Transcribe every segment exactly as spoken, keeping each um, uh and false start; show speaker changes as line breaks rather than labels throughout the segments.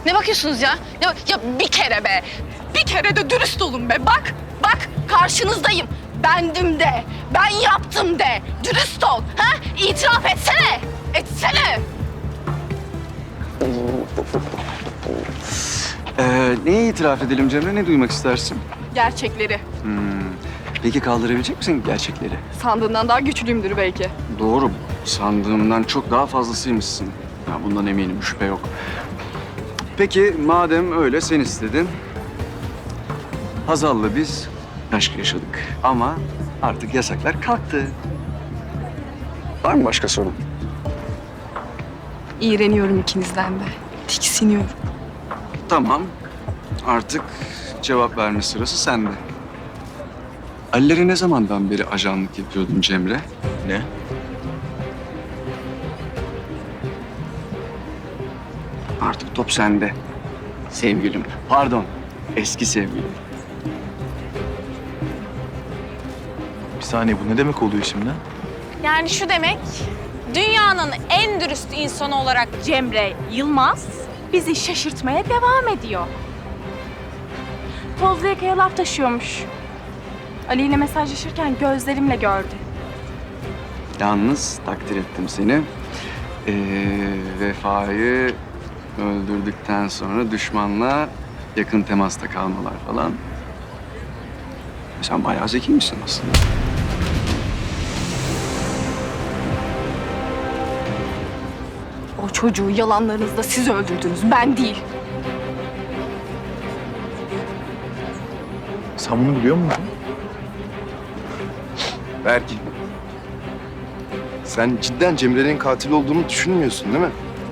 Ne bakıyorsunuz ya? Ya, ya bir kere be. Bir kere de dürüst olun be. Bak, bak karşınızdayım. Bendim de, ben yaptım de. Dürüst ol. Ha? İtiraf etsene. Etsene.
Ee, neye itiraf edelim Cemre? Ne duymak istersin?
Gerçekleri.
Hmm. Peki kaldırabilecek misin gerçekleri?
Sandığından daha güçlüyümdür belki.
Doğru. Sandığımdan çok daha fazlasıymışsın. Ya bundan eminim, şüphe yok. Peki madem öyle sen istedin. Hazal'la biz aşk yaşadık. Ama artık yasaklar kalktı. Var mı başka sorun?
İğreniyorum ikinizden de. Tiksiniyorum.
Tamam. Artık cevap verme sırası sende. Ali'lere ne zamandan beri ajanlık yapıyordun Cemre?
Ne?
Artık top sende. Sevgilim. Pardon. Eski sevgilim.
Bir saniye, bu ne demek oluyor şimdi?
Yani şu demek, dünyanın en dürüst insanı olarak Cemre Yılmaz bizi şaşırtmaya devam ediyor. Tozlu yakaya laf taşıyormuş. Ali ile mesajlaşırken gözlerimle gördü.
Yalnız takdir ettim seni. Ee, Vefa'yı öldürdükten sonra düşmanla yakın temasta kalmalar falan. Sen bayağı zekiymişsin aslında.
O çocuğu yalanlarınızla siz öldürdünüz, ben değil.
Sen bunu biliyor musun?
Belki. Sen cidden Cemre'nin katil olduğunu düşünmüyorsun değil mi?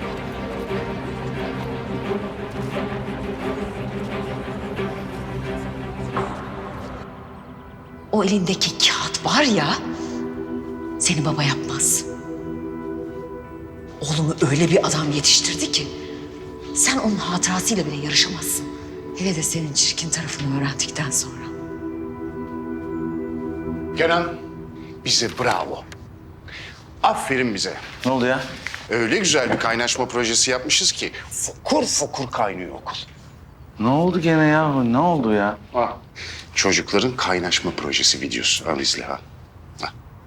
O elindeki kağıt var ya, seni baba yapmaz. Oğlumu öyle bir adam yetiştirdi ki, sen onun hatırasıyla bile yarışamazsın. Hele de senin çirkin tarafını öğrendikten sonra.
Kenan, bize bravo. Aferin bize.
Ne oldu ya?
Öyle güzel bir kaynaşma projesi yapmışız ki fokur fokur kaynıyor okul.
Ne oldu gene ya? Ne oldu ya?
Ha. Çocukların kaynaşma projesi videosu. Al izle ha. Ha.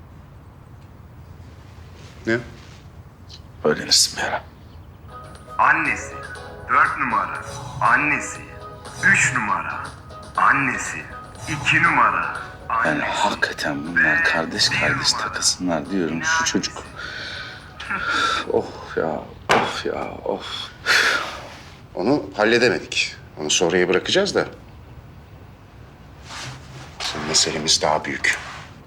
Ne?
Öğrenirsin bir ara.
Annesi dört numara, annesi üç numara, annesi iki numara,
Yani
annesi
hakikaten bunlar kardeş kardeş takılsınlar diyorum. Şu çocuk. Of ya, of ya, of.
Onu halledemedik. Onu sonraya bırakacağız da. Bizim meselemiz daha büyük.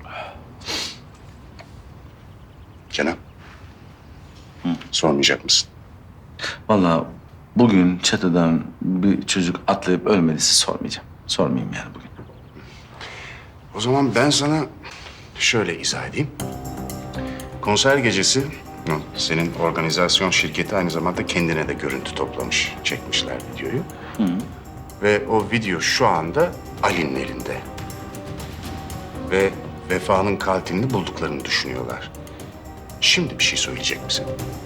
Kenan. Hı. Sormayacak mısın?
Vallahi bugün çatıdan bir çocuk atlayıp ölmediyse sormayacağım. Sormayayım yani bugün.
O zaman ben sana şöyle izah edeyim. Konser gecesi senin organizasyon şirketi aynı zamanda kendine de görüntü toplamış. Çekmişler videoyu.
Hı.
Ve o video şu anda Ali'nin elinde. Ve Vefa'nın katilini bulduklarını düşünüyorlar. Şimdi bir şey söyleyecek misin?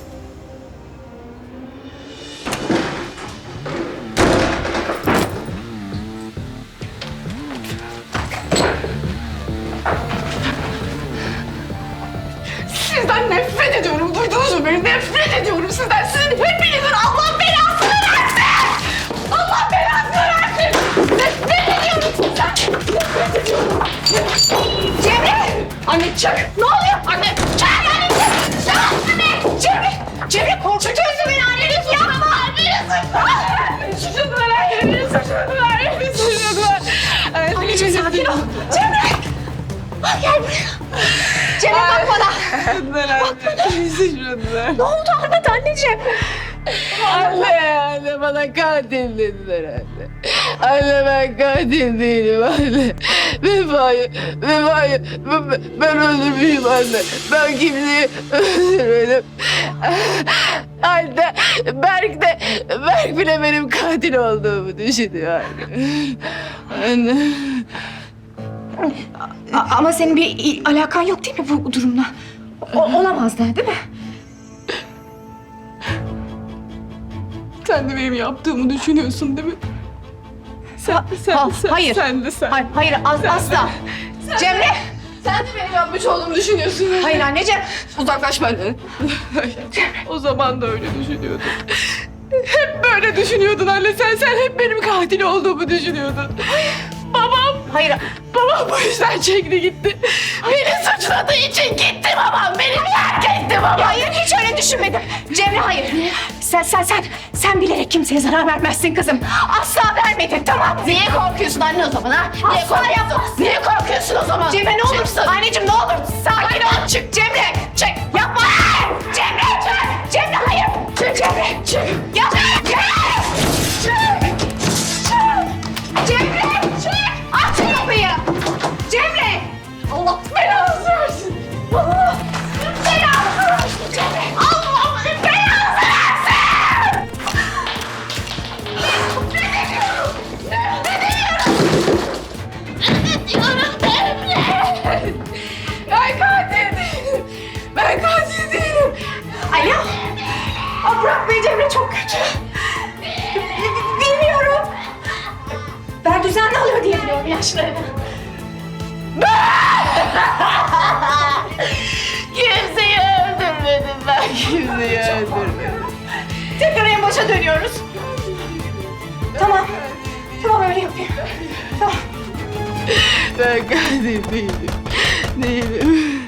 Sizden nefret ediyorum, duydunuz mu beni? Nefret ediyorum sizden. Sizin hepinizin Allah belasını versin! Allah belasını versin! Nefret ediyorum sizden! Nefret ediyorum! Cemre! Anne çık! Ne oluyor? Anne çık! Anne çık! Çık! Anne! Cemre! Cemre korkutuyorsun beni! Anneni suçlama! Anneni suçlama! Suçladılar anneni! Suçladılar! Anneni suçladılar! Anneciğim sakin ol! Cemre! Gel buraya! Cemre bak bana! Ne oldu Ahmet anneciğim?
Anne, anne bana katil dediler anne. Anne ben katil değilim anne. Vefa'yı, Vefa'yı ben, ben öldürmeyeyim anne. Ben kimseyi öldürmedim. Anne, Berk de, Berk bile benim katil olduğumu düşünüyor anne. Anne.
A- ama senin bir il- alakan yok değil mi bu durumla? O- olamaz da değil mi?
Sen de benim yaptığımı düşünüyorsun değil mi? Sen, sen,
Ha-
sen,
hayır.
sen de sen.
Hayır, hayır az, asla. Cemre!
Sen de benim yapmış olduğumu düşünüyorsun.
Hayır anneciğim.
Uzaklaş benden. O zaman da öyle düşünüyordun. Hep böyle düşünüyordun anne. Sen sen hep benim katil olduğumu düşünüyordun. Babam,
Hayır.
babam bu yüzden çekti gitti. Beni suçladığı için gitti babam. Beni terk etti babam.
Hayır hiç öyle düşünmedim. Cemre hayır. Sen sen sen sen bilerek kimseye zarar vermezsin kızım. Asla vermedin tamam mı?
Niye korkuyorsun anne o zaman ha? Niye
Asla
korkuyorsun?
yapmazsın.
Niye korkuyorsun o zaman?
Cemre ne olursun.
Çıksın.
Anneciğim ne olur sakin ol. Çık Cemre. Çık. Yapma. Cemre çık. Cemre hayır. Çık Cemre. Çık. Yapma. Çık. Çık. Çık. Cemre çık. Aç kapıyı. Cemre.
Allah belanızı versin. Allah
Belanı versin Cemre.
Allah belanızı versin. Nefret ediyorum. Nefret ediyorum. Nefret ediyorum Emre. Ben katil değilim. Ben katil değilim.
Alo. Aa, bırak beni Cemre çok kötü. Bilmiyorum. Ben düzenli alıyor diye biliyorum yaşlarını.
Kimseyi öldürmedim ben. Kimseyi öldürmedim.
Tekrar en başa dönüyoruz. Tamam. Tamam öyle yapayım. Tamam.
Ben katil değilim. Değilim.